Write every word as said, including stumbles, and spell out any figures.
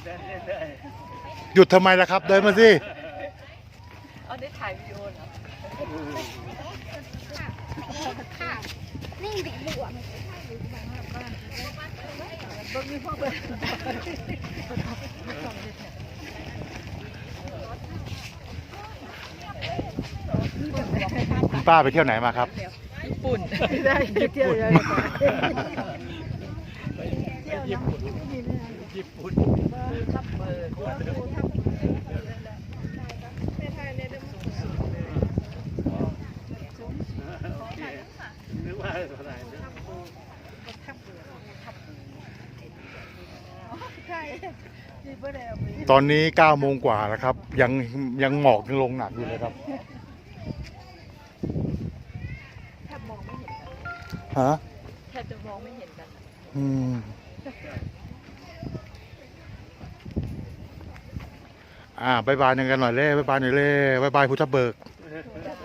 หยุดทำไมล่ะครับเดินมาสิเอาได้ถ่ายวิดีโอเหรอค่ะนิ่งดิบวกคุณป้าไปเที่ยวไหนมาครับญี่ปุ่นได้เที่ยวเลยญี่ปุ่นญี่ปุ่นทับเบิร์นึกว่าอะไรตอนนี้เก้าโมงกว่าแล้วครับ ยังยังหมอกยังลงหนักอยู่เลยครับแทบมองไม่เห็นกันฮะแทบจะมองไม่เห็นกันอืมอ่าบายบายกันหน่อยเล่บายบายหน่อยเล่บายบายพุทธเบิก